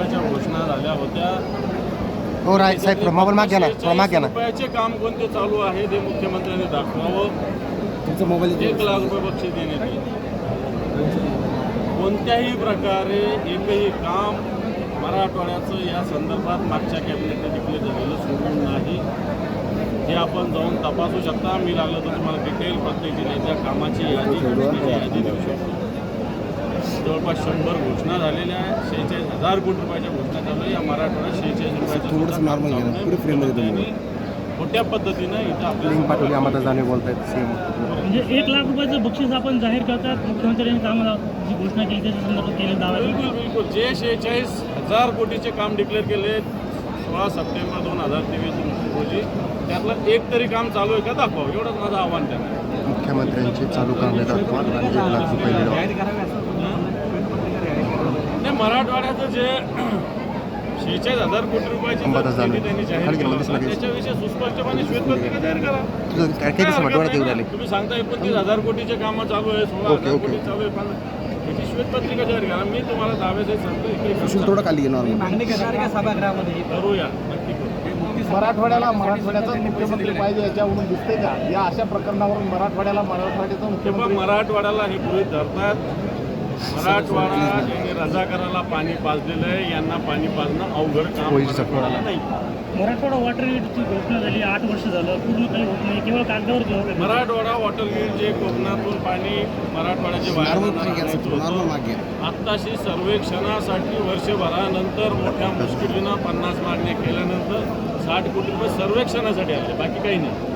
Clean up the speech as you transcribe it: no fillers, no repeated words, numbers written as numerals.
रुपयाच्या घोषणा झाल्या होत्या. हो राय साहेब मोबाईल माग घ्या ना, माग घ्या ना. रुपयाचे काम कोणते चालू आहे ते मुख्यमंत्र्यांनी दाखवावं. तुमचा मोबाईल 1 लाख रुपये बक्षीस देण्यात येईल. कोणत्याही प्रकारे एकही काम मराठवाड्याचं या संदर्भात मागच्या कॅबिनेटने डिक्लेअर झालेलं सोडून नाही. हे आपण जाऊन तपासू शकता. मी लागलं तर तुम्हाला डिटेल प्रत्येक जिल्ह्याच्या कामाची यादी देऊ शकतो. जवळपास 100 घोषणा झालेल्या आहेत. 46,000 कोटी रुपयाच्या घोषणा चालू आहे. या मराठवाड्यात 46 खोट्या पद्धतीनं इथं आपल्याला पाठवली आम्हाला जाणे बोलतायत सीएम. म्हणजे 1 लाख रुपयाचं बक्षीस आपण जाहीर करतात. मुख्यमंत्र्यांनी कामाला जी घोषणा केली त्याच्या संदर्भात केले दावा. बिलकुल जे 46,000 कोटीचे काम डिक्लेअर केले 16 सप्टेंबर 2023 रोजी त्यातलं एक तरी काम चालू आहे का दाखवा. एवढंच माझं आव्हान त्यांना. मुख्यमंत्र्यांचे चालू कामे दाखवा आणि 1 लाख रुपये मिळवा. नाही, मराठवाड्याचं जे 46,000 कोटी रुपयाची त्यांनी जाहीर केलं त्याच्याविषयी सुस्पष्टपणे श्वेतपत्रिका जाहीर करा. तुम्ही सांगता 29,000 कोटीचे कामं चालू आहे, 16,000 कोटी चालू आहे, पण त्याची श्वेतपत्रिका जाहीर करा. मी तुम्हाला दाव्यासहित सांगतो थोडं खाली मागणी करणार का सभागृहामध्ये? करूया, नक्की करू. मराठवाड्याचाच मुख्यमंत्री पाहिजे याच्यावरून दिसते का? या अशा प्रकरणावरून मराठवाड्याचा मुख्यमंत्री मराठवाड्याला हे गृहीत धरतात. मराठवाडा यांनी रजाकाराला पाणी पाजलेलं आहे. यांना पाणी पाजणं अवघड काम नाही. मराठवाडा वॉटर ग्रीडची घोषणा झाली 8 वर्ष झालं, पूर्ण काही होत नाही, केवळ कागदावर घेऊन. मराठवाडा वॉटर ग्रीड जे कोकणातून पाणी मराठवाड्याचे बाहेर आत्ताशी सर्वेक्षणासाठी वर्षभरानंतर मोठ्या मुश्किलीनं 50 मागण्या केल्यानंतर 60 कोटी रुपये सर्वेक्षणासाठी आले, बाकी काही नाही.